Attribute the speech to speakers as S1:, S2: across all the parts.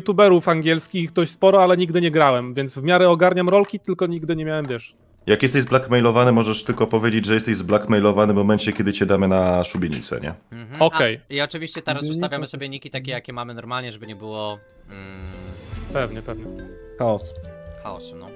S1: youtuberów angielskich dość sporo, ale nigdy nie grałem, więc w miarę ogarniam rolki, tylko nigdy nie miałem, wiesz.
S2: Jak jesteś zblackmailowany, możesz tylko powiedzieć, że jesteś zblackmailowany w momencie, kiedy cię damy na szubienicę, nie?
S1: Okej.
S3: I oczywiście teraz ustawiamy sobie niki takie, jakie mamy normalnie, żeby nie było
S1: Pewnie, pewnie.
S4: Chaos.
S3: chaosu, no.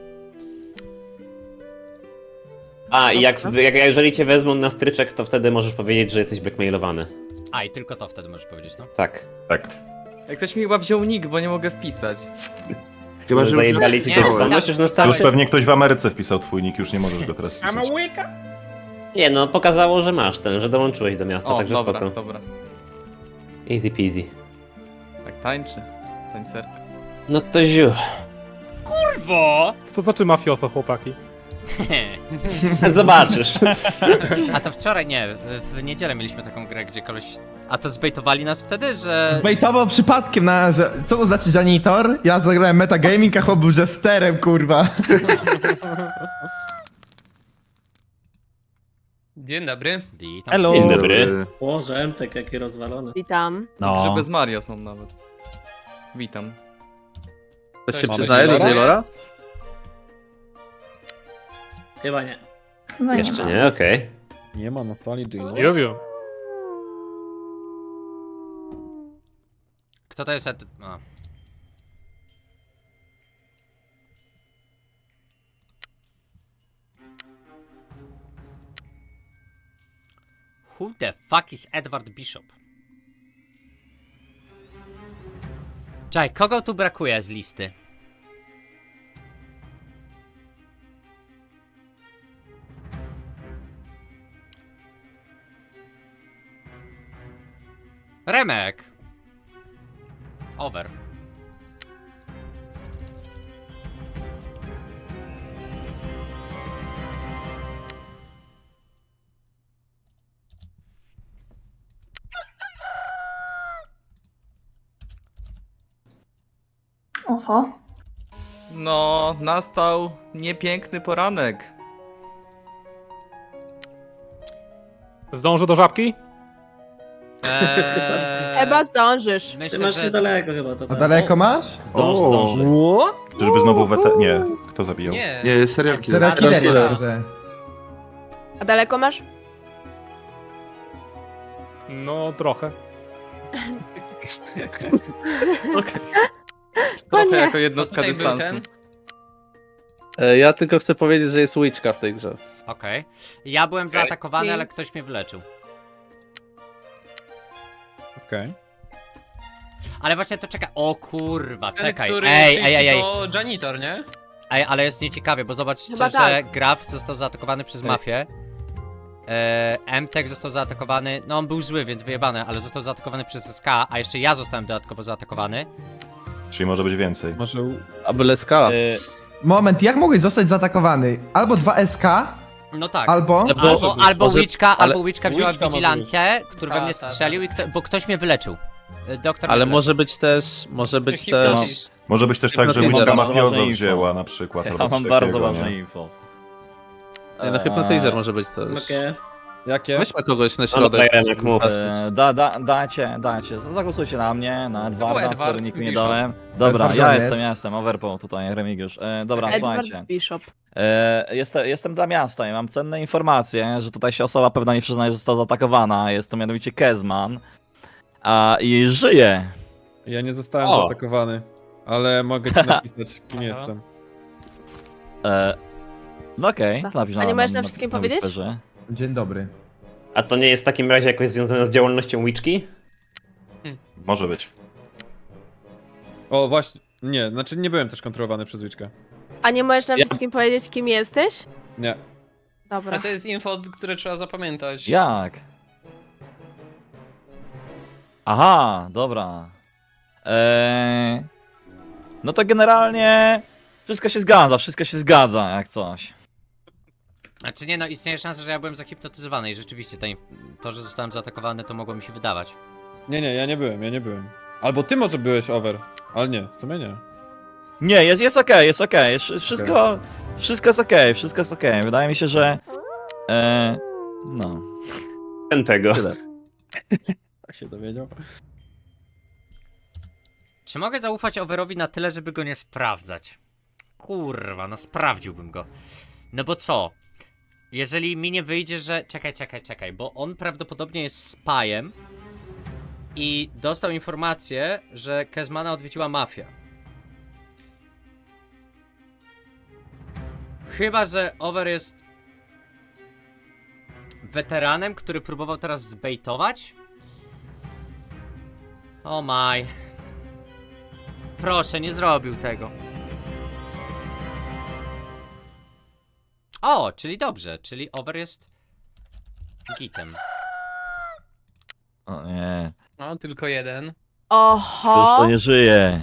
S5: A, i jeżeli cię wezmą na stryczek, to wtedy możesz powiedzieć, że jesteś blackmailowany.
S3: A, i tylko to wtedy możesz powiedzieć, no.
S5: Tak.
S2: Tak.
S6: Jak ktoś mi chyba wziął nick, bo nie mogę wpisać.
S7: Chyba, że
S5: Zajebali ci
S3: Nie,
S5: coś
S3: sam-
S5: sam, już na
S3: sam-
S2: Już
S5: stałe.
S2: pewnie ktoś w Ameryce wpisał twój nick, już nie możesz go teraz wpisać.
S5: Nie no, pokazało, że masz ten, że dołączyłeś do miasta,
S6: O,
S5: także
S6: dobra,
S5: spoko.
S6: dobra.
S5: Easy peasy.
S6: Tak tańczy. Tańcerka.
S5: No to ziu.
S3: Kurwo!
S1: Co to znaczy mafioso, chłopaki?
S5: Zobaczysz.
S3: A to wczoraj, nie, w niedzielę mieliśmy taką grę, gdzie koleś... A to zbejtowali nas wtedy, że...
S8: Zbejtował przypadkiem na, że... Co to znaczy janitor? Ja zagrałem metagaming, a chłop był jesterem, kurwa.
S9: Dzień dobry.
S3: Witam.
S1: Hello.
S5: Dzień dobry.
S7: Boże, MTek jaki rozwalony.
S10: Witam.
S6: No. Że bez Maria są nawet. Witam.
S9: Ktoś
S4: się przyznaje do Jailora?
S7: Chyba nie.
S5: Jeszcze nie, okej.
S4: Nie ma na sali Jailora.
S1: Jowiu.
S3: Kto to jest? A. Who the fuck is Edward Bishop? Czekaj, kogo tu brakuje z listy? Remek! Over.
S10: Oho.
S6: No, nastał niepiękny poranek.
S1: Zdążę do żabki?
S10: Chyba zdążysz.
S7: Ty
S3: Myślę,
S7: masz
S3: że...
S7: niedaleko chyba to.
S8: A daleko masz?
S2: Zdąży. Czyżby znowu Nie, kto zabijał?
S9: Nie.
S7: Nie, serial
S8: Serial
S7: killer.
S8: killer, że...
S10: A daleko masz?
S1: No, trochę.
S6: Trochę
S10: nie.
S6: jako jednostka
S9: Tutaj był
S6: dystansu.
S9: ten.
S4: Ja tylko chcę powiedzieć, że jest łyczka w tej grze.
S3: Okej. Ja byłem zaatakowany,
S10: Okej.
S3: ale ktoś mnie wyleczył.
S4: Okej.
S3: Ale właśnie to czeka. O kurwa,
S9: Ten,
S3: czekaj.
S9: który
S3: Ej,
S9: czyści,
S3: ej, ej, ej.
S9: to janitor, nie?
S3: Ej, ale jest nieciekawie, bo zobaczcie,
S10: Chyba
S3: że
S10: tak.
S3: Graf został zaatakowany przez mafię. MTek został zaatakowany. No on był zły, więc wyjebany, ale został zaatakowany przez SK, a jeszcze ja zostałem dodatkowo zaatakowany.
S2: Czyli może być więcej.
S4: Może Abyle Skala.
S8: Moment, jak mogłeś zostać zaatakowany? Albo 2SK,
S3: No tak.
S8: albo...
S3: Albo
S4: może-
S3: Witchka,
S4: ale
S3: albo Witchka wzięła
S4: Witchka może
S3: Vigilante, który we
S9: Tak,
S3: mnie
S9: tak,
S3: strzelił, bo ktoś mnie wyleczył. Doktor
S4: Ale
S3: mnie
S4: może być też,
S9: Hipnotyz.
S2: Może być też tak, że
S4: Hypnotizer
S2: łyczka
S4: ma
S2: mafiozo
S11: ważne info.
S2: wzięła na przykład.
S11: Ja
S2: albo coś
S11: mam bardzo
S2: takiego,
S11: ważne
S2: nie?
S11: info.
S4: Nie, no hypnotizer może być też.
S7: Okej.
S4: Jakie? Weźmy kogoś na
S5: No dobra,
S4: środek.
S5: Remek, mów.
S11: Dajcie. Zagłosujcie na mnie, na Edwarda,
S9: Edward
S11: sorry, niku nie
S9: Bishop.
S11: dałem. Dobra,
S8: Edward
S11: ja
S8: jest.
S11: jestem, Overpool tutaj, Remigiusz. Dobra,
S10: Edward
S11: słuchajcie.
S10: Bishop.
S11: Jestem dla miasta i mam cenne informacje, że tutaj się osoba pewna mi przyznaje, że została zaatakowana. Jest to mianowicie Kezman. I żyje.
S4: Ja nie zostałem
S5: O.
S4: zaatakowany, ale mogę ci napisać, kim jestem.
S11: No okej,
S10: Tak.
S11: to napisz
S10: A nie możesz
S11: na
S10: na wszystkim
S11: na
S10: powiedzieć?
S11: Whisperze.
S8: Dzień dobry.
S5: A to nie jest w takim razie jakoś związane z działalnością Witchki?
S2: Może być.
S4: O, właśnie. Nie, znaczy nie byłem też kontrolowany przez Witchkę.
S10: A nie możesz nam
S4: Ja-
S10: wszystkim powiedzieć, kim jesteś?
S4: Nie.
S9: A
S10: Dobra.
S9: to jest info, które trzeba zapamiętać.
S11: Jak? Aha, dobra. No to generalnie wszystko się zgadza, jak coś.
S3: Znaczy nie no, istnieje szansa, że ja byłem zahipnotyzowany i rzeczywiście to, że zostałem zaatakowany, to mogło mi się wydawać.
S4: Nie, ja nie byłem. Albo ty może byłeś over, ale nie, w sumie nie.
S11: Nie, jest okej, wszystko jest okej. Wydaje mi się, że... no,
S5: Ten tego.
S11: tyle.
S4: Tak się dowiedział.
S3: Czy mogę zaufać Overowi na tyle, żeby go nie sprawdzać? Kurwa, no sprawdziłbym go. No bo co? Jeżeli mi nie wyjdzie, że... Czekaj, bo on prawdopodobnie jest spyem i dostał informację, że Kezmana odwiedziła mafia. Chyba że Over jest weteranem, który próbował teraz zbejtować? O maj. Proszę, nie zrobił tego. O, czyli dobrze, czyli Over jest gitem.
S11: O nie,
S9: No, tylko jeden.
S11: ktoś
S10: Oho.
S11: to nie żyje.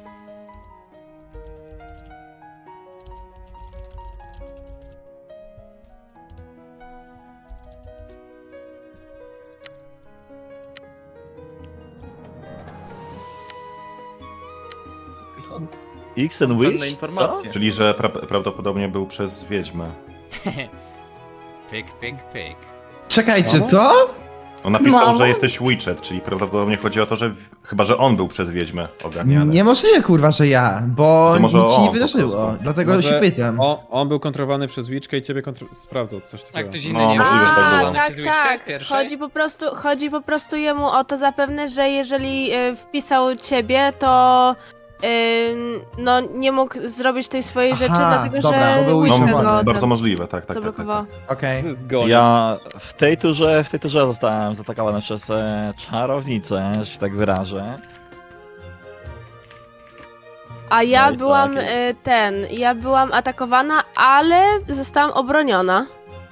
S11: X and
S6: Cenne
S11: Wish? Co?
S6: informacje.
S2: Czyli, że prawdopodobnie był przez wiedźmę.
S3: Pyk.
S8: Czekajcie, co?
S2: On napisał,
S10: Mamo?
S2: że jesteś Witchet, czyli prawdopodobnie chodzi o to, że chyba, że on był przez wiedźmę ogarniany.
S8: Niemożliwe kurwa, że ja, bo
S2: To może
S8: nic się nie
S2: on po
S8: wydarzyło,
S2: prostu.
S8: dlatego
S4: Może
S8: się pytam.
S4: On był kontrolowany przez Witchkę i ciebie sprawdzał, coś
S9: A
S4: takiego.
S9: ktoś inny
S2: No,
S9: nie
S2: możliwe, że tak
S9: był
S2: było.
S9: przez Witchkę w pierwszej?
S10: Chodzi po prostu jemu o to zapewne, że jeżeli wpisał ciebie, to no nie mógł zrobić tej swojej rzeczy,
S8: Aha,
S10: dlatego
S8: dobra,
S10: że
S8: bo był
S2: No,
S10: Witcher
S8: Witcher.
S10: go
S2: bardzo możliwe, tak.
S10: zablokował.
S8: Okej.
S4: Zgoniec.
S11: Ja w tej turze zostałem zaatakowany przez czarownicę, że się tak wyrażę.
S10: A ja
S11: No i co,
S10: byłam
S11: jakie-
S10: ja byłam atakowana, ale zostałam obroniona.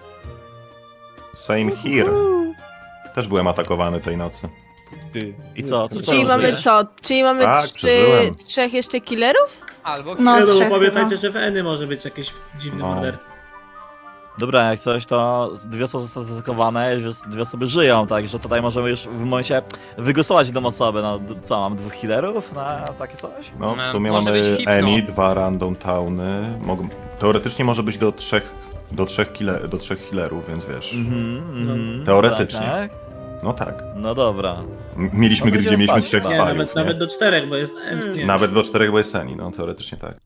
S2: Same here. Też byłem atakowany tej nocy.
S4: Ty.
S11: I co? Co
S10: Czyli mamy
S11: żyjesz?
S10: co? Czyli mamy
S2: Tak, przeżyłem.
S10: trzech jeszcze killerów?
S9: Albo
S7: No,
S9: chwilę.
S7: bo pamiętajcie, że w Eny może być jakiś dziwny
S2: No.
S7: morderca.
S11: Dobra, jak coś, to dwie osoby zostały zaatakowane, dwie osoby żyją, także tutaj możemy już w momencie wygłosować jedną osobę. No co, mam 2 healerów na takie coś?
S2: No, w
S3: No,
S2: sumie
S9: może
S2: mamy
S9: być hipno.
S2: Eni, 2 random towny. Teoretycznie może być do trzech healerów, więc wiesz. Teoretycznie.
S11: Tak, tak?
S2: No tak.
S11: No dobra.
S2: Mieliśmy
S11: No to
S2: gry, gdzie
S11: idziemy
S2: mieliśmy
S11: spać.
S2: 3
S7: Nie,
S2: spajów, nie?
S7: nawet do 4, bo jest N. Nie.
S2: Nawet do 4, bo jest Eni, no teoretycznie tak.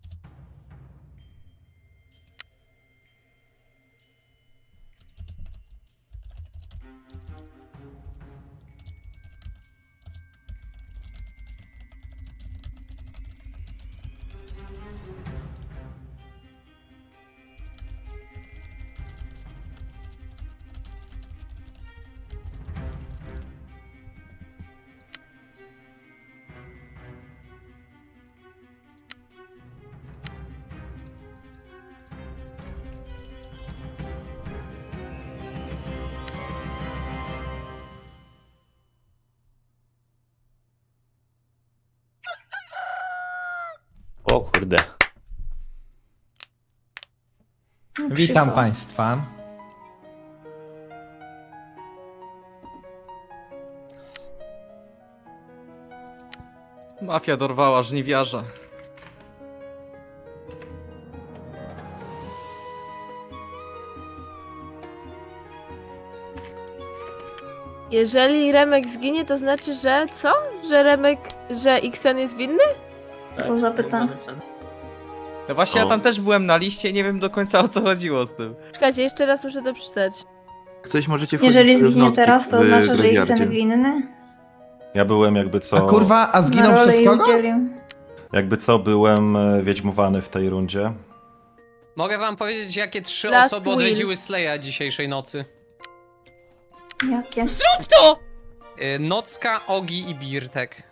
S5: O kurde.
S8: Witam państwa.
S6: Mafia dorwała żniwiarza.
S10: Jeżeli Remek zginie, to znaczy, że co? Że Xen jest winny?
S7: Tak,
S12: zapytam.
S6: No właśnie,
S2: O.
S6: ja tam też byłem na liście i nie wiem do końca o co chodziło z tym.
S10: Czekajcie, jeszcze raz muszę to przeczytać.
S13: Ktoś możecie
S12: Jeżeli zginie teraz, to oznacza, że Xen winny?
S2: Ja byłem jakby
S8: A
S2: co...
S8: kurwa, a zginął
S12: Na rolę
S8: przez
S12: jej
S8: kogo?
S12: udzielił.
S2: Jakby co, byłem wiedźmowany w tej rundzie.
S9: Mogę wam powiedzieć, jakie 3
S10: Last
S9: osoby
S10: will.
S9: odwiedziły Sleja dzisiejszej nocy.
S12: Jakie?
S3: To!
S9: Nocka, Ogi i Birtek.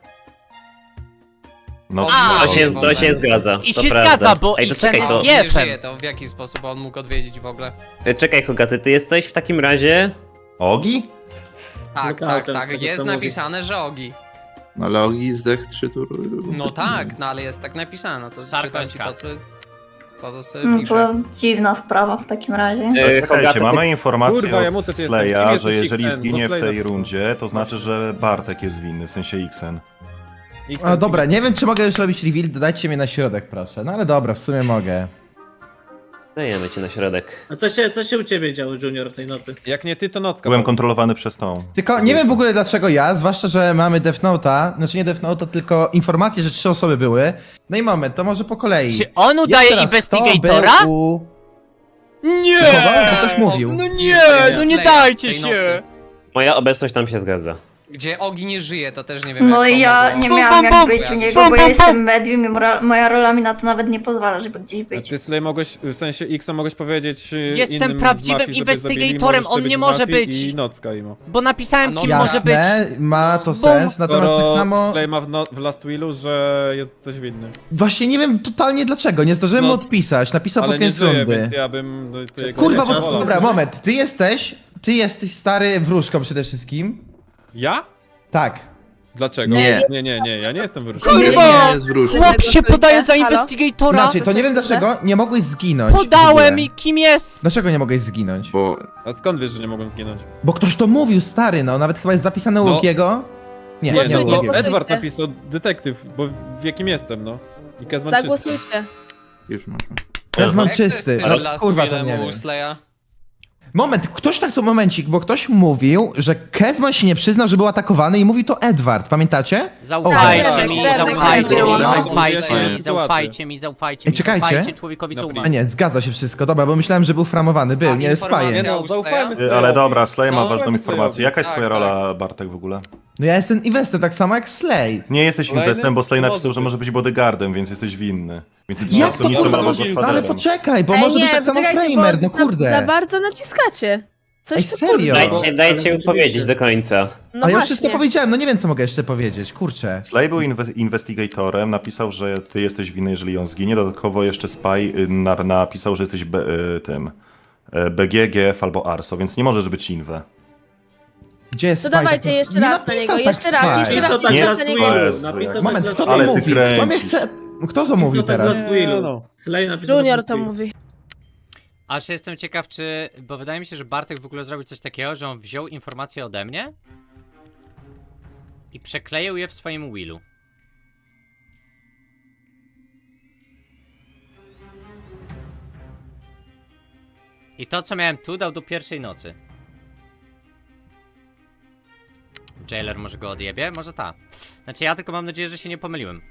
S2: No,
S3: A,
S5: To się zgadza.
S3: I
S5: to
S3: się
S5: prawda.
S3: zgadza, bo
S5: Ej, to
S3: Xen
S5: czekaj,
S3: jest
S5: to...
S3: gier.
S9: Nie żyje, to w jaki sposób on mógł odwiedzić w ogóle?
S5: Czekaj, Hogaty, ty jesteś w takim razie...
S2: Ogi?
S9: Tak,
S7: No
S9: tak,
S7: tak, z
S9: tak,
S7: tego,
S9: jest
S7: co mówi.
S9: napisane, że Ogi.
S13: Ale Ogi zdech 3 tury.
S9: No tak, no ale jest tak napisane, to czytam ci
S3: Sarkoska.
S9: co to sobie
S12: No
S9: pisze.
S12: to dziwna sprawa w takim razie.
S2: Czekajcie,
S5: Hogaty,
S2: mamy informację
S4: Kurwa, ja
S2: od
S4: muszę, ty jestem.
S2: Sleja,
S4: Kim
S2: że
S4: jesteś
S2: jeżeli
S4: Xen?
S2: zginie
S4: Bo
S2: w
S4: Slay
S2: tej
S4: napisał.
S2: rundzie, to znaczy, że Bartek jest winny, w sensie Xen.
S8: A, dobra, nie wiem czy mogę już robić reveal, dodajcie mnie na środek proszę. No ale dobra, w sumie mogę.
S5: Dajemy cię na środek.
S7: A co się u ciebie działo, Junior, w tej nocy?
S4: Jak nie ty, to nocka.
S2: Byłem kontrolowany przez tą.
S8: Tylko nie wiem w ogóle dlaczego ja, zwłaszcza, że mamy Death Note'a, znaczy nie Death Note'a, tylko informację, że 3 osoby były. No i moment, to może po kolei.
S3: Czy on udaje
S8: Jeszcze raz,
S3: Investigatora?
S8: kto był u...
S3: Nie!
S8: Kogo? Ktoś mówił.
S3: No nie, no nie dajcie
S9: Tej nocy.
S3: się!
S5: Moja obecność tam się zgadza.
S9: Gdzie Ogi nie żyje, to też nie wiem
S12: No
S9: jak
S12: i ja
S9: pomogło.
S12: nie
S3: Bum,
S12: miałam
S3: bum,
S12: jak
S3: bum.
S12: być u niego,
S3: Bum,
S12: bo ja
S3: bum,
S12: jestem medium i moja rola mi na to nawet nie pozwala, żeby gdzieś
S4: A
S12: być.
S4: ty, Slay, mogłeś, w sensie X-a mogłeś powiedzieć
S3: Jestem
S4: innym z
S3: prawdziwym
S4: mafii, żeby zabili,
S3: investigatorem,
S4: możesz
S3: on
S4: być
S3: nie
S4: w
S3: może
S4: mafii
S3: być.
S4: I nocka imo.
S3: Bo napisałem,
S9: No
S3: kim
S9: jasne.
S3: może być.
S8: Ma to sens, natomiast tak samo...
S4: Slay ma w Last Willu, że jest coś winny.
S8: Właśnie nie wiem totalnie dlaczego, nie zdążyłem mu
S4: No,
S8: odpisać, napisał
S4: Ale
S8: pod
S4: nie
S8: koniec
S4: żyje,
S8: rundy.
S4: więc ja bym... To jego
S8: Kurwa,
S4: nie
S8: bo
S4: wolał.
S8: dobra, moment, ty jesteś stary wróżką przede wszystkim.
S4: Ja?
S8: Tak.
S4: Dlaczego?
S13: Nie.
S4: Nie, ja nie jestem wróżką.
S3: Kurwa!
S13: Nie jest wróżką.
S3: Chłop się podaje za
S10: Halo?
S3: investigatora!
S8: Znaczy, to nie wiem dlaczego, nie mogłeś zginąć. w
S3: Podałem
S8: ogóle.
S3: i kim jest?
S8: Dlaczego nie mogłeś zginąć?
S13: Bo
S4: A skąd wiesz, że nie mogłem zginąć?
S8: Bo ktoś to mówił, stary, no, nawet chyba jest zapisane u
S4: No.
S8: Łukiego. Nie,
S4: Nie,
S8: nie,
S4: no,
S8: u
S10: Głosujcie,
S8: Łukiego.
S10: głosujcie.
S4: Edward napisał detektyw, bo w jakim jestem, no. I Kezman czysty.
S10: Zagłosujcie.
S13: już masz.
S8: Kezman
S9: Jak to jest
S8: czysty,
S9: z tym
S8: no
S9: Last
S8: kurwa to
S9: Willem
S8: nie
S9: u
S8: wiem.
S9: Slaya?
S8: Moment, ktoś tak to momencik, bo ktoś mówił, że Kezman się nie przyznał, że był atakowany i mówił to Edward, pamiętacie?
S3: Zaufajcie
S10: Tak,
S3: mi,
S10: tak,
S3: zaufajcie
S10: tak,
S3: mi,
S10: tak,
S3: zaufajcie
S13: tak,
S3: mi,
S13: tak.
S3: zaufajcie mi, zaufajcie
S8: Ej,
S3: mi,
S8: czekajcie.
S3: zaufajcie człowiekowi, co
S4: Dobra.
S8: A
S3: umie.
S8: nie, zgadza się wszystko, dobra, bo myślałem, że był framowany, był,
S9: A
S8: nie spaje.
S9: informacja-
S4: Nie no, zaufajmy Slayowi.
S2: Ale dobra, Slay ma
S9: No,
S2: ważną
S4: zaufajmy
S2: informację. Jaka jest
S9: Tak,
S2: twoja
S9: tak.
S2: rola, Bartek, w ogóle?
S8: No ja jestem investem, tak samo jak Slay.
S2: Nie jesteś
S4: Kolejny?
S2: inwestem, bo Slay
S4: To
S2: napisał,
S4: może
S2: że
S4: być.
S2: może być bodyguardem, więc jesteś winny. Więc jesteś
S8: Jak to
S2: akcjonistą
S8: kurwa
S2: albo
S8: może?
S2: godfatherem.
S8: Ale poczekaj, bo
S10: Ej,
S8: może
S10: nie,
S8: być tak samo
S10: poczekajcie,
S8: Framer,
S10: bo
S8: no kurde.
S10: Za bardzo naciskacie. Coś
S8: Ej,
S10: tu,
S8: serio?
S10: kurde.
S5: Dajcie
S7: ale
S5: powiedzieć
S7: oczywiście.
S5: do końca.
S10: No
S8: A ja już
S10: właśnie.
S8: wszystko powiedziałem, no nie wiem co mogę jeszcze powiedzieć, kurczę.
S2: Slay był investigatorem, napisał, że ty jesteś winny, jeżeli on zginie. Dodatkowo jeszcze Spy napisał, że jesteś tym BG, GF albo Arso, więc nie możesz być inwe.
S8: Gdzie jest
S10: To
S8: Spike?
S10: dawajcie jeszcze
S8: Nie
S10: raz na
S8: napisał
S10: niego,
S8: tak
S10: jeszcze raz,
S8: Spike.
S10: jeszcze raz,
S7: tak
S2: Nie,
S10: jeszcze raz na niego.
S2: Jezu,
S7: Napisał
S2: jak-
S8: Moment,
S7: bez
S8: kto to
S2: Ale ty
S8: mówi? Kto mnie
S2: kręcisz.
S8: chce... Kto to mówi teraz?
S7: Last Willu.
S4: no.
S7: Slay napisał
S10: Junior
S7: Last
S10: to
S7: Willu.
S10: mówi.
S3: Aż jestem ciekaw, czy... Bo wydaje mi się, że Bartek w ogóle zrobił coś takiego, że on wziął informacje ode mnie i przekleił je w swoim willu. I to, co miałem tu, dał do pierwszej nocy. Jailer może go odjebie? Może ta. Znaczy ja tylko mam nadzieję, że się nie pomyliłem.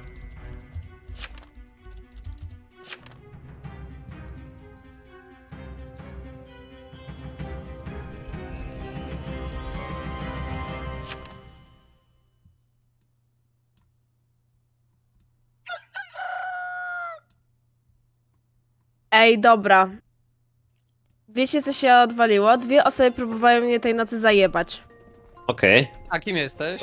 S10: Ej, dobra. Wiecie, co się odwaliło? 2 osoby próbowały mnie tej nocy zajebać.
S5: Okej.
S9: A kim jesteś?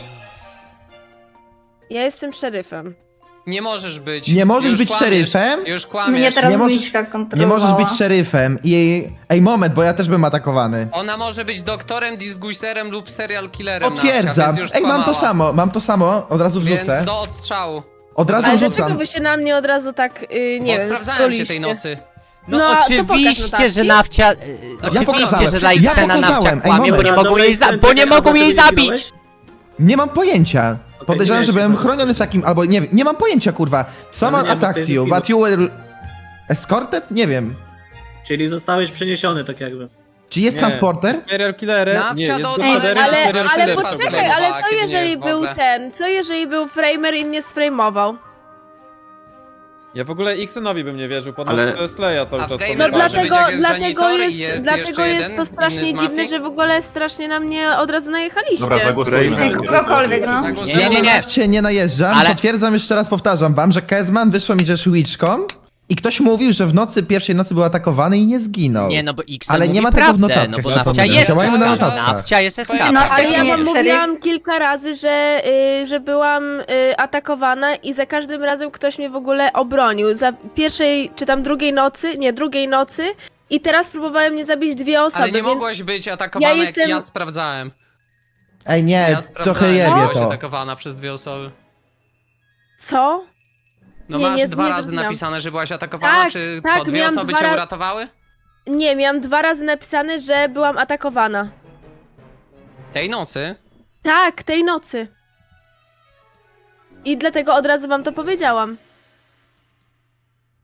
S10: Ja jestem szeryfem.
S9: Nie możesz być.
S8: Nie możesz
S9: Już
S8: być
S9: kłamiesz.
S8: szeryfem?
S9: Już
S12: Mnie
S9: kłamiesz.
S12: teraz
S8: Nie możesz-
S12: Miśka
S8: Nie
S12: kontrolowała.
S8: możesz być szeryfem i... Ej, moment, bo ja też bym atakowany.
S9: Ona może być doktorem, disguiserem lub serial killerem.
S8: Potwierdzam.
S9: Nawcia, więc już
S8: Ej, mam to samo, od razu
S9: Więc
S8: wrzucę.
S9: do odstrzału.
S8: Od razu
S10: Ale
S8: rzucam.
S10: dlaczego wy się na mnie od razu tak, nie
S9: Bo
S10: wiem,
S9: sprawdzałem cię tej
S10: skoliście?
S9: nocy.
S3: No,
S10: No, to pokaż
S3: oczywiście,
S10: notatki.
S3: że Nawcia... oczywiście,
S8: pokazałem.
S3: że
S8: Ja
S3: Lajksena Nawcia
S8: pokazałem. Ej,
S3: kłamie, bo
S8: moment.
S3: nie mogą jej, bo nie mogą jej zabić!
S8: Nie mam pojęcia. Podejrzewam,
S7: nie
S8: że
S7: wiesz,
S8: byłem
S7: chyba.
S8: chroniony w takim, albo nie mam pojęcia, kurwa. Someone
S7: nie, bo to
S8: attacked
S7: jest
S8: you,
S7: zginął.
S8: but you were... Escorted? Nie wiem.
S7: Czyli zostałeś przeniesiony tak jakby.
S8: Czy jest transporter?
S4: Serial killerem?
S9: Nawcia
S4: Nie, jest
S9: do-
S4: gospodarem
S9: Ej,
S10: Ale,
S4: serial
S10: ale
S4: killerem.
S10: poczekaj, ale co
S9: Kiedy nie
S10: jeżeli
S9: jest w
S10: był
S9: ogóle?
S10: ten, co jeżeli był framer i mnie sframował?
S4: Ja w ogóle Xenowi bym nie wierzył, po
S13: Ale-
S4: nocce Slaya cały
S9: A
S4: czas
S9: Framer
S10: No
S9: może
S4: podejrzewam.
S9: być jak jest
S10: dlatego
S9: janitor i
S10: jest,
S9: jest
S10: dlatego
S9: jeszcze
S10: jest
S9: jeden
S10: to strasznie
S9: inny z
S10: dziwne,
S9: mafii?
S10: że w ogóle strasznie na mnie od razu najechaliście.
S2: Dobra, zagłosujmy.
S12: Ej, kogokolwiek, no.
S3: Nie, nie, nie.
S8: Ja cię nie najeżdżam,
S3: Ale-
S8: potwierdzam jeszcze raz, powtarzam wam, że Kezman wyszło mi, że szwiczką i ktoś mówił, że w nocy, pierwszej nocy był atakowany i nie zginął.
S3: Nie, no bo X
S8: Ale
S3: mówi
S8: nie ma tego w
S3: prawdę,
S8: notatkach,
S3: no bo
S8: ja
S3: Nawcia
S8: pamiętam.
S3: jest
S8: Działają na
S3: SK.
S8: notatkach.
S3: Nawcia jest SK.
S12: No,
S10: Ale ja
S12: Nie,
S10: wam
S12: szeryf.
S10: mówiłam kilka razy, że byłam atakowana i za każdym razem ktoś mnie w ogóle obronił. Za pierwszej, czy tam drugiej nocy i teraz próbowałem mnie zabić 2 osoby,
S9: Ale nie
S10: więc...
S9: mogłaś być atakowana,
S10: ja
S9: jak ja
S10: jestem-
S9: sprawdzałem.
S8: Ej, nie,
S9: Ja
S8: trochę
S9: sprawdzałem,
S8: jebie
S9: byłaś
S8: to.
S9: atakowana przez 2 osoby.
S10: Co?
S9: No
S10: Nie,
S9: masz
S10: nie,
S9: 2
S10: nie
S9: razy
S10: zrozumiałam.
S9: napisane, że byłaś atakowana,
S10: Tak,
S9: czy
S10: tak,
S9: co, 2
S10: miałam
S9: osoby
S10: 2
S9: cię
S10: razy-
S9: uratowały?
S10: Nie, miałam 2 razy napisane, że byłam atakowana.
S9: Tej nocy?
S10: Tak, tej nocy. I dlatego od razu wam to powiedziałam.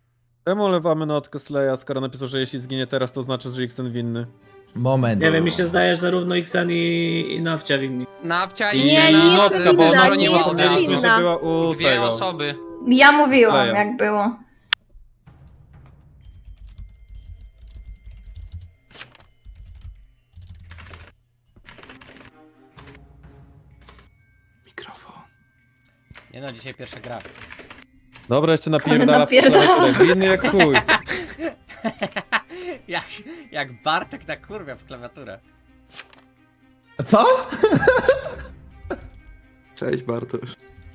S4: Czemu olewamy notkę Sleja, skoro napisał, że jeśli zginie teraz, to znaczy, że Xen winny?
S8: Moment.
S7: Nie wiem, mi się zdaje, że zarówno Xen i Nawcia winni.
S9: Nawcia
S4: I
S9: i
S10: Nie,
S9: Xena
S10: nie jest
S4: notka, bo
S10: winna,
S4: broniła
S10: nie jest
S4: ode mnie,
S10: winna.
S4: że była u
S9: dwie
S4: tego.
S9: osoby.
S12: Ja mówiłam,
S4: Sleja.
S12: jak było.
S13: Mikrofon.
S3: Nie no, dzisiaj pierwsza gra.
S4: Dobra, jeszcze napierdala w
S12: napierdala.
S4: klawiaturę. Winny jak chuj.
S3: jak Bartek na kurwia w klawiaturę.
S8: Co?
S13: Cześć Bartosz.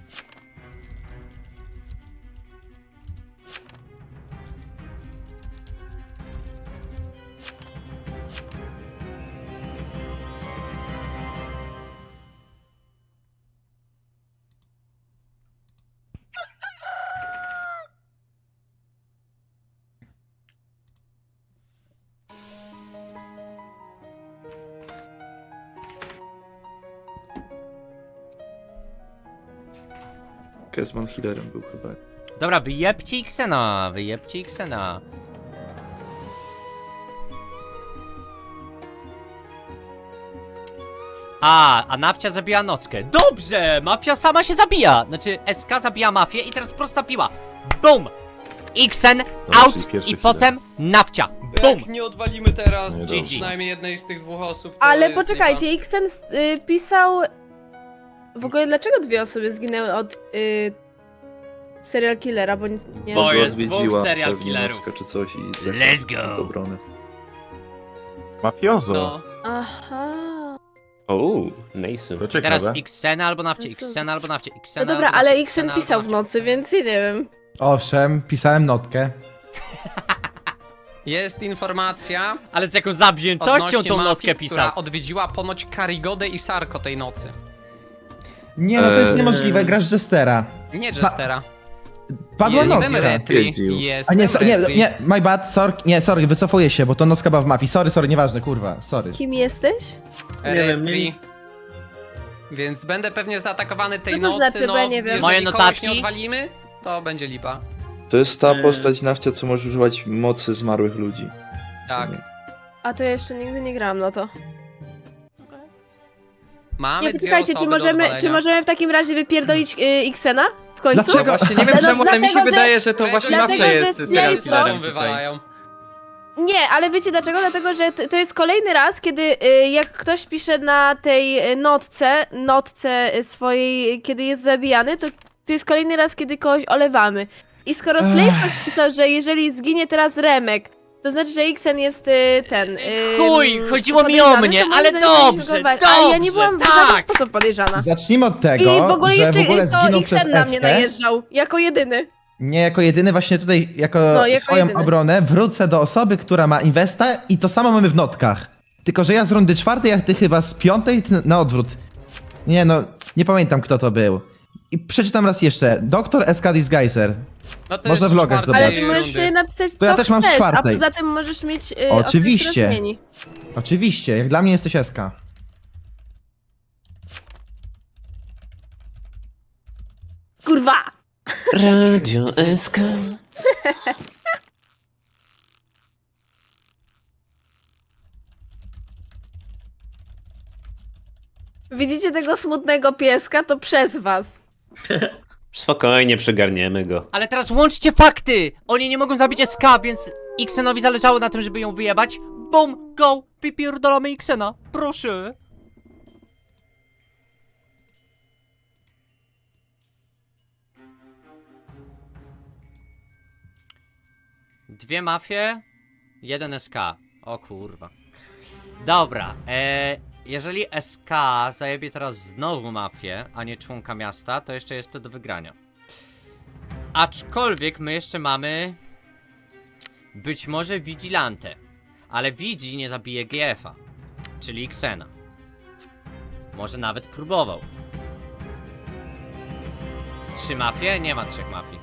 S13: Kezman healerem był chyba.
S3: Dobra, wyjebcie Xena, wyjebcie Xena. A Nawcia zabija Nockę. Dobrze! Mafia sama się zabija! Znaczy, SK zabija mafię i teraz prosta piła. Bum! Xen,
S2: Dobra,
S3: out
S2: czyli pierwszy
S3: i
S2: chwilę.
S3: potem Nawcia. Bum!
S9: Jak nie odwalimy teraz
S2: Nie, dobrze.
S9: przynajmniej jednej z tych dwóch osób, to
S10: Ale
S9: jest
S10: poczekajcie,
S9: lipa.
S10: Xen pisał... W ogóle dlaczego dwie osoby zginęły od serial killera, bo nic nie...
S3: Bo
S13: Może
S3: jest dwóch
S13: odwiedziła
S3: serial
S13: pewnie
S3: killerów.
S13: Nowska czy coś i
S3: Let's go.
S13: do obrony.
S2: Mafiozo.
S9: No.
S10: Aha...
S5: Nice.
S2: To ciekawe.
S3: Teraz Xena albo Nawcie, Xena albo Nawcie,
S10: No
S3: Xena
S10: dobra,
S3: albo
S10: ale
S3: Nawcie,
S10: Xen
S3: Xena
S10: pisał
S3: albo
S10: w
S3: Nawcie.
S10: nocy, więc ja nie wiem.
S8: Owszem, pisałem notkę.
S9: Jest informacja
S3: Ale z jaką zawziętością
S9: odnośnie
S3: tą
S9: mafii,
S3: notkę pisał.
S9: która odwiedziła ponoć Karigodę i Sarko tej nocy.
S8: Nie, no to jest niemożliwe, grasz Jestera.
S9: Nie Jestera.
S8: Padła
S9: Jest
S8: nocka.
S9: Demretri.
S13: Jeździł.
S9: Jest
S8: A nie, nie,
S9: Demretri.
S8: nie, my bad, nie, sorry, wycofuję się, bo to nocka była w mafii. Sorry, nieważne, kurwa, sorry.
S10: Kim jesteś?
S7: Nie wiem,
S9: Retri. Więc będę pewnie zaatakowany tej
S10: Co to
S9: nocy,
S10: znaczy,
S9: no
S10: bo ja nie wiem.
S9: jeżeli
S3: Moje
S9: kogoś
S3: notatki?
S9: nie odwalimy, to będzie lipa.
S13: To jest ta postać Nawcia, co może używać mocy zmarłych ludzi.
S9: Tak.
S10: A to ja jeszcze nigdy nie grałam na to.
S9: Mamy
S10: Nie,
S9: dwie
S10: poczekajcie,
S9: osoby
S10: czy
S9: do
S10: możemy,
S9: odwalenia.
S10: czy możemy w takim razie wypierdolić Xena? W końcu?
S8: Dlaczego?
S6: No właśnie, nie wiem
S10: No,
S6: czemu, ale mi się
S10: dlatego, że-
S6: wydaje, że to właśnie
S9: Dlatego,
S6: Nawcia
S10: że
S6: jest
S10: z
S6: serial
S10: tej
S6: killerem
S9: Sobą
S6: tutaj.
S9: wywalają.
S10: Nie, ale wiecie dlaczego? Dlatego, że to jest kolejny raz, kiedy jak ktoś pisze na tej notce swojej, kiedy jest zabijany, to jest kolejny raz, kiedy kogoś olewamy. I skoro Slavefox pisał, że jeżeli zginie teraz Remek, to znaczy, że Xen jest ten...
S3: Chuj, chodziło mi o
S10: podejrzany,
S3: mnie,
S10: to moim
S3: ale
S10: zdaniem powinniśmy
S3: dobrze,
S10: go walić. Ale ja nie
S3: dobrze,
S10: byłam w żaden
S3: tak.
S10: sposób podejrzana.
S8: Zacznijmy od tego,
S10: I w ogóle
S8: że
S10: jeszcze
S8: w ogóle
S10: to
S8: zginął przez
S10: Xen na mnie
S8: Eskę.
S10: najeżdżał, jako jedyny.
S8: Nie jako jedyny, właśnie tutaj jako,
S10: No, jako
S8: swoją
S10: jedyny.
S8: obronę wrócę do osoby, która ma inwesta i to samo mamy w notkach. Tylko, że ja z rundy 4, a ty chyba z 5, ty na odwrót. Nie no, nie pamiętam kto to był. I przeczytam raz jeszcze. Doktor SK Disguiser.
S9: No to
S8: Można
S9: jest
S8: w logach
S9: czwartej
S10: Ale
S8: zobaczyć.
S10: ty możesz
S9: rundy.
S10: sobie napisać
S8: To ja
S10: co
S8: też mam z
S10: chcesz, a
S8: czwartej.
S10: poza tym możesz mieć
S8: Oczywiście.
S10: osobę, która zmieni.
S8: Oczywiście, jak dla mnie jesteś SK.
S10: Kurwa!
S5: Radio SK.
S10: Widzicie tego smutnego pieska? To przez was.
S5: Spokojnie, przygarniemy go.
S3: Ale teraz łączcie fakty! Oni nie mogą zabić SK, więc Xenowi zależało na tym, żeby ją wyjebać. Boom, go, wypierdolamy Xena, proszę. Dwie mafie, jeden SK. O kurwa. Dobra, jeżeli SK zajebie teraz znowu mafię, a nie członka miasta, to jeszcze jest to do wygrania. Aczkolwiek my jeszcze mamy być może Vigilante, ale Vigi nie zabije GF-a, czyli Xena. Może nawet próbował. 3 mafie? Nie ma 3 mafii.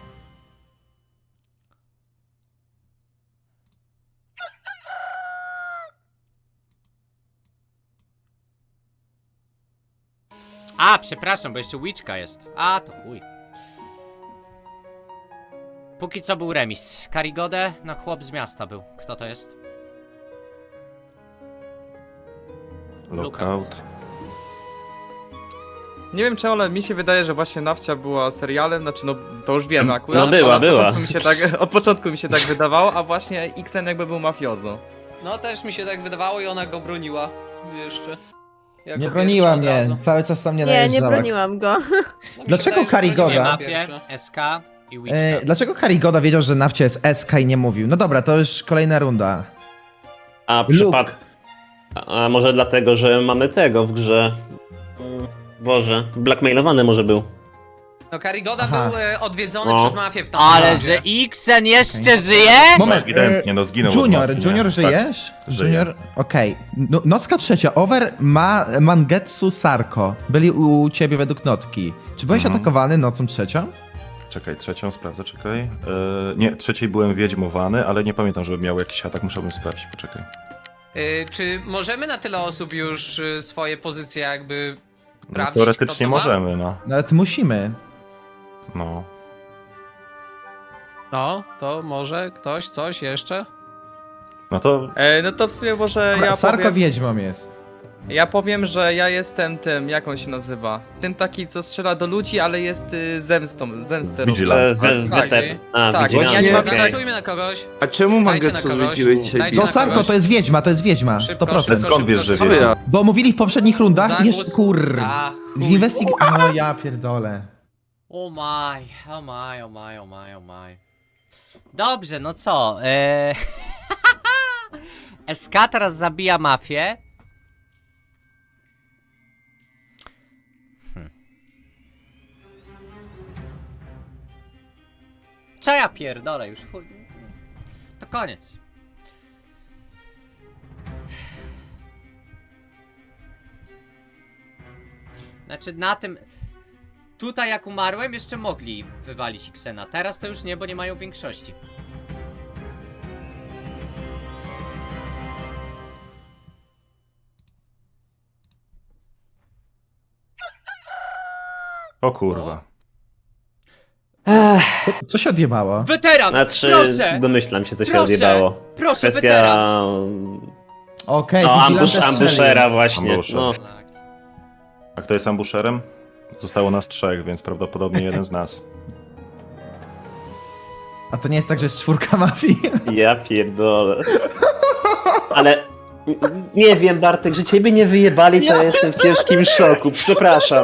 S3: A, przepraszam, bo jeszcze Witchka jest. A, to chuj. Póki co był remis. Karigodę, no chłop z miasta był. Kto to jest?
S2: Lookout.
S6: Nie wiem czemu, ale mi się wydaje, że właśnie Nawcia była serialem, znaczy no to już wiemy akurat.
S5: No była,
S6: ale
S5: była.
S6: Od początku mi się tak wydawało, a właśnie Xen jakby był mafiozo.
S9: No też mi się tak wydawało i ona go broniła. Jeszcze. Jako
S8: Nie broniła
S9: pierwsza od
S8: mnie,
S9: razu.
S8: cały czas tam nie
S10: Nie, nie
S8: najeżdżała.
S10: broniłam go.
S9: No, mi się
S8: Dlaczego
S9: wydaje, że
S8: Karigoda?
S9: broniła
S3: Mafię,
S9: pierwsza.
S3: SK i Witchka.
S8: Dlaczego Karigoda wiedział, że Nawcia jest SK i nie mówił? No dobra, to już kolejna runda.
S5: A
S8: Luke.
S5: A może dlatego, że mamy tego w grze. Boże, blackmailowany może był.
S9: No Karigoda
S8: Aha.
S9: był odwiedzony
S5: No.
S9: przez mafię w tamtym
S3: Ale
S9: razie.
S3: że Xen jeszcze żyje?
S8: Moment,
S2: Ewidentnie, no zginął. od
S8: Junior,
S2: mafii, nie?
S8: Junior
S2: Tak.
S8: żyjesz?
S2: żyję.
S8: Junior, okej. No, nocka trzecia, Over, Mangetsu, Sarko. Byli u ciebie według notki. Czy byłeś
S2: Mhm.
S8: atakowany nocą trzecią?
S2: Czekaj, trzecią sprawdzę, czekaj. Nie, trzeciej byłem wiedźmowany, ale nie pamiętam, żebym miał jakiś atak, musiałbym sprawdzić, poczekaj.
S9: Czy możemy na tyle osób już swoje pozycje jakby
S2: No,
S9: sprawdzić?
S2: teoretycznie
S9: kto co ma?
S2: możemy, no.
S8: Nawet musimy.
S2: No.
S9: No, to może ktoś coś jeszcze?
S2: No to
S6: No to w sumie może
S8: Sarko
S6: powiem,
S8: wiedźmą jest.
S6: ja powiem, że ja jestem tym, jak on się nazywa? Tym taki, co strzela do ludzi, ale jest zemstę.
S2: Vigilant.
S6: Tak. Tak,
S5: Vigilante,
S6: ja nie
S5: okej.
S9: Zagłosujmy na kogoś.
S13: A czemu
S9: Dajcie na
S13: Mangetsu
S9: kogoś.
S13: zwróciłeś dzisiaj
S9: Dajcie
S8: No
S9: na
S8: Sarko
S9: kogoś.
S8: to jest wiedźma,
S9: Szybko,
S8: 100%.
S9: szybko,
S2: skąd wiesz, że
S13: Co ja?
S8: Bo mówili w poprzednich rundach i jeszcze
S9: Zagłosuj-
S8: kur...
S9: A,
S8: W
S9: chuj.
S8: No ja pierdolę.
S3: O maj, o maj, o maj, o maj, o maj. Dobrze, no co? SK teraz zabija mafię. Co ja pierdolę już? Chuj. To koniec. Znaczy na tym... Tutaj jak umarłem, jeszcze mogli wywalić Xena. Teraz to już nie, bo nie mają większości.
S2: O kurwa.
S8: Co się odjebało?
S3: Weteran!
S5: Znaczy,
S3: Proszę!
S5: domyślam się, co się
S3: Proszę!
S5: odjebało.
S3: Proszę, weteran!
S5: Kwestia...
S8: Okej,
S5: No,
S8: Vigilante
S5: ambushera
S8: strzelił.
S5: właśnie.
S2: Ambusher.
S5: No.
S2: A kto jest ambusherem? Zostało nas 3, więc prawdopodobnie jeden z nas.
S8: A to nie jest tak, że jest 4 mafii?
S5: Ja pierdolę. Ale... Nie wiem, Bartek, że ciebie nie wyjebali, to jestem w ciężkim szoku. Przepraszam.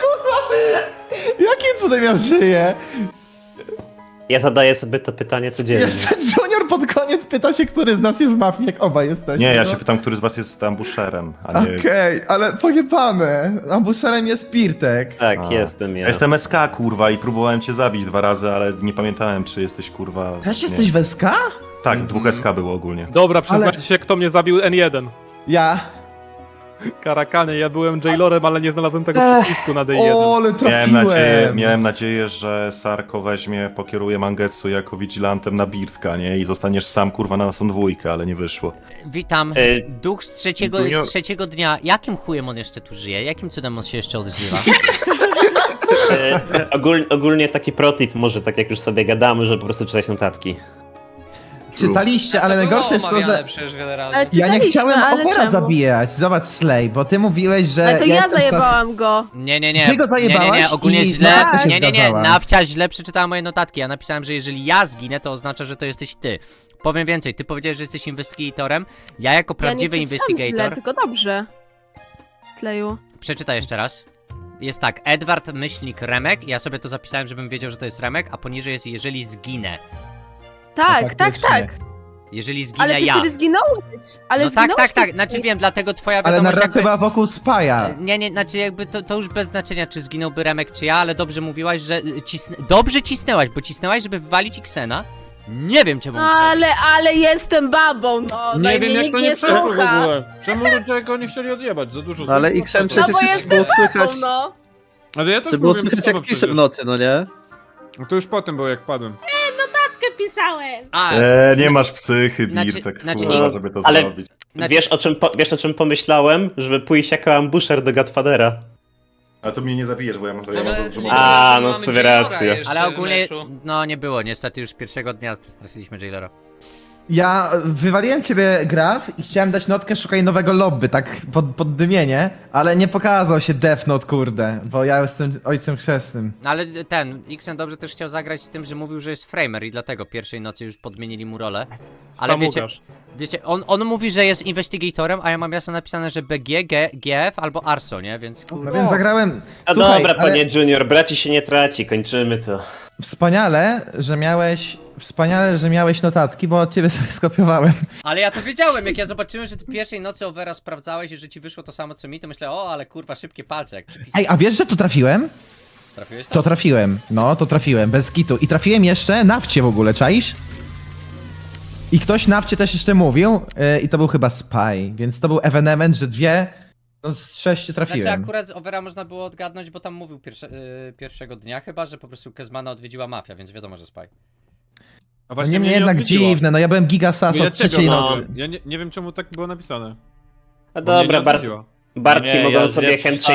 S8: Jakim cudem ja żyję?
S5: Ja zadaję sobie to pytanie codziennie.
S8: Jeszcze Junior pod koniec pyta się, który z nas jest w mafii, jak oba jesteśmy.
S2: Nie, ja
S8: no.
S2: się pytam, który z was jest ambusherem, a nie...
S8: Okej, ale pojebane. Ambusherem jest Pirtek.
S5: Tak,
S2: A.
S5: jestem ja.
S2: Ja jestem SK, kurwa, i próbowałem cię zabić 2 razy, ale nie pamiętałem, czy jesteś, kurwa...
S8: Też
S2: nie.
S8: jesteś w SK?
S2: Tak, 2 SK było ogólnie.
S1: Dobra, przyznajcie się, kto mnie zabił N1.
S8: Ja.
S1: Karakany, ja byłem Jailorem, ale nie znalazłem tego przycisku na D1.
S8: O, ale trafiłem.
S2: Miałem nadzieję, że Sarko weźmie, pokieruje Mangetsu jako vigilantem na Birtka, nie? I zostaniesz sam, kurwa, na naszą 2, ale nie wyszło.
S3: Witam. Duch z trzeciego dnia. Jakim chujem on jeszcze tu żyje? Jakim cudem on się jeszcze odzywa?
S5: Ogólnie taki protip, może tak jak już sobie gadamy, że po prostu czytać notatki.
S8: Czytaliście, ale
S9: To było
S8: najgorsze jest to,
S9: omawiane
S8: że
S9: przecież wiele razy.
S10: Ale
S8: ja nie
S10: czytaliśmy,
S8: chciałem
S10: ale
S8: Opera
S10: czemu?
S8: zabijać. Zobacz, Slay, bo ty mówiłeś, że
S10: Ale to ja
S8: jestem
S10: zajebałam go.
S3: Nie, nie, nie.
S8: Ty go zajebałaś
S3: Nie, nie, ogólnie
S8: i
S3: źle.
S8: Nawcia się
S3: Nie, nie, nie.
S8: zgadzała.
S3: Nawcia źle przeczytała moje notatki. Ja napisałem, że jeżeli ja zginę, to oznacza, że to jesteś ty. Powiem więcej, ty powiedziałeś, że jesteś investigatorem. Ja jako prawdziwy
S10: ja nie przeczytałam źle,
S3: investigator.
S10: tylko dobrze. Tleju.
S3: Przeczytaj jeszcze raz. Jest tak, Edward myślnik Remek. Ja sobie to zapisałem, żebym wiedział, że to jest Remek, a poniżej jest jeżeli zginę.
S10: Tak,
S8: No
S10: tak,
S8: faktycznie.
S10: tak.
S3: Jeżeli zginę
S10: Ale ty
S3: ja.
S10: wtedy zginąłeś. Ale
S3: No tak,
S10: zginąłeś
S3: tak, tak.
S10: wtedy.
S3: Znaczy wiem, dlatego twoja
S8: Ale
S3: wiadomość
S8: narracja
S3: jakby...
S8: była wokół Spaja.
S3: Nie, nie, znaczy jakby to już bez znaczenia, czy zginąłby Remek, czy ja, ale dobrze mówiłaś, że dobrze cisnęłaś, bo cisnęłaś, żeby wywalić Xena. Nie wiem, czemu
S10: No ale jestem babą, no. No
S4: Nie
S10: i
S4: wiem,
S10: mnie
S4: jak
S10: nikt
S4: to nie przeszło w
S10: słucha.
S4: ogóle. Czemu ludzie go nie chcieli odjebać? Za dużo
S13: Ale
S4: złych
S13: XM
S4: głosów.
S10: No bo
S13: przecież było
S10: jestem
S13: słychać,
S10: babą, no.
S4: Ale ja też
S13: było
S4: mówiłem
S13: słychać
S4: słowo
S13: jak pisze
S4: przecież.
S13: w nocy, no nie?
S4: No to już potem było, jak padłem.
S10: Pisałem.
S3: A,
S2: Nie masz psychy,
S3: Znaczy-
S2: Birtek,
S3: znaczy
S2: kurwa,
S3: nie-
S2: żeby to
S5: ale-
S2: zrobić.
S3: znaczy,
S5: Wiesz o czym pomyślałem? Żeby pójść jako ambusher do Godfathera.
S2: A to mnie nie zabijesz, bo ja mam to...
S9: Ale-
S5: no
S9: mamy
S5: sobie
S9: Jailora
S5: rację.
S9: jeszcze
S3: Ale
S9: w
S3: ogólnie,
S9: meczu.
S3: no nie było, niestety już pierwszego dnia przestraszyliśmy Jailera.
S8: Ja wywaliłem ciebie Graf i chciałem dać notkę szukaj nowego lobby, tak pod dymienie, ale nie pokazał się Death Note, kurde, bo ja jestem ojcem chrzestnym.
S3: Ale ten, Xen dobrze też chciał zagrać z tym, że mówił, że jest framer i dlatego pierwszej nocy już podmienili mu rolę. Ale wiecie, on mówi, że jest investigatorem, a ja mam jasno napisane, że BG, GF albo Arso, nie? Więc
S8: No
S3: kurde.
S8: więc zagrałem...
S5: A
S8: Słuchaj,
S5: dobra,
S8: ale
S5: panie Junior, braci się nie traci, kończymy to.
S8: wspaniale, że miałeś notatki, bo od ciebie sobie skopiowałem.
S3: Ale ja to wiedziałem, jak ja zobaczyłem, że ty pierwszej nocy Overa sprawdzałeś i że ci wyszło to samo co mi, to myślę, o, ale kurwa, szybkie palce, jak przypisałem.
S8: Ej, a wiesz, że to trafiłem?
S3: Trafiłeś
S8: To
S3: tam?
S8: trafiłem, no, to trafiłem, bez kitu. I trafiłem jeszcze nawcie w ogóle, czaisz? I ktoś nawcie też jeszcze mówił, i to był chyba Spy, więc to był evenement, że no z 6 trafiłem.
S3: Znaczy akurat z Overa można było odgadnąć, bo tam mówił pierwszego dnia chyba, że po prostu Kezmana odwiedziła mafia, więc wiadomo, że Spy.
S4: A
S8: No nie mnie jednak
S4: odwiedziło.
S8: dziwne, no ja byłem gigasas od
S4: Dlaczego?
S8: trzeciej
S4: No,
S8: nocy.
S4: ja nie wiem czemu tak było napisane.
S5: A
S4: Bo mnie
S5: dobra,
S4: nie odwiedziła.
S5: Bartki
S11: Nie,
S5: mogą
S11: ja
S5: sobie
S11: wiem,
S5: handshake